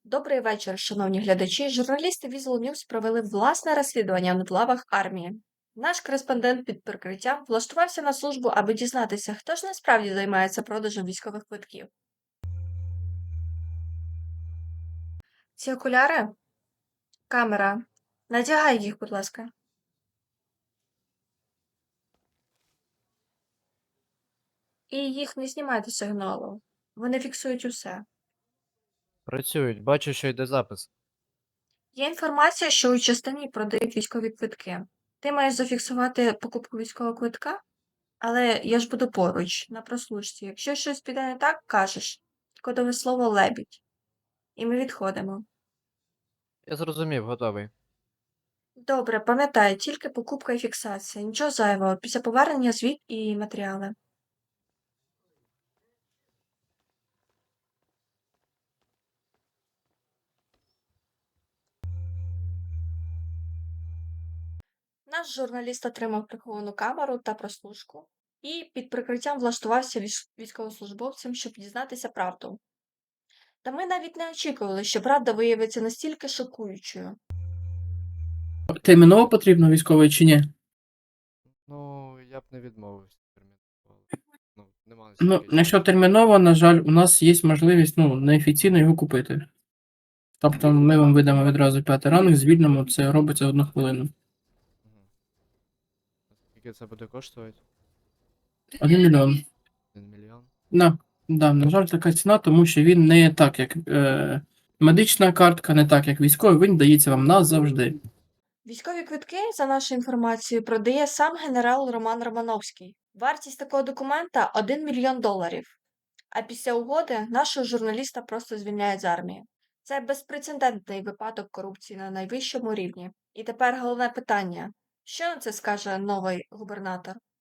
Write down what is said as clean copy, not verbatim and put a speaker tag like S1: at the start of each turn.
S1: Добрий вечір, шановні глядачі. Журналісти Visual News провели власне розслідування на лавах армії. Наш кореспондент під прикриттям влаштувався на службу, аби дізнатися, хто ж насправді займається продажем військових квитків. Ці окуляри? Камера. Надягай їх, будь ласка. І їх не знімайте сигналу. Вони фіксують усе.
S2: Працюють, бачу, що йде запис.
S1: Є інформація, що у частині продають військові квитки. Ти маєш зафіксувати покупку військового квитка? Але я ж буду поруч, на прослушці. Якщо щось піде не так, кажеш. Кодове слово лебідь. І ми відходимо.
S2: Я зрозумів, готовий.
S1: Добре, пам'ятай, тільки покупка і фіксація. Нічого зайвого. Після повернення звіт і матеріали. Наш журналіст отримав приховану камеру та прослушку і під прикриттям влаштувався військовослужбовцем, щоб дізнатися правду. Та ми навіть не очікували, що правда виявиться настільки шокуючою.
S3: Терміново потрібно військовий чи ні?
S2: Ну, я б не відмовився терміново. Ну, нема
S3: Ну,
S2: стільки
S3: якщо терміново, на жаль, у нас є можливість неофіційно його купити. Тобто ми вам видамо відразу 5 ранок, звільнимо, це робиться 1 хвилину.
S2: Мгм. Скільки це буде коштувати?
S3: 1 мільйон.
S2: 1 мільйон?
S3: Да, на жаль, така ціна, тому що він не так, як медична картка, не так, як військовий, він дається вам назавжди.
S1: Військові квитки, за нашою інформацією, продає сам генерал Роман Романовський. Вартість такого документа – 1 мільйон доларів. А після угоди нашого журналіста просто звільняють з армії. Це безпрецедентний випадок корупції на найвищому рівні. І тепер головне питання. Що на це скаже новий губернатор?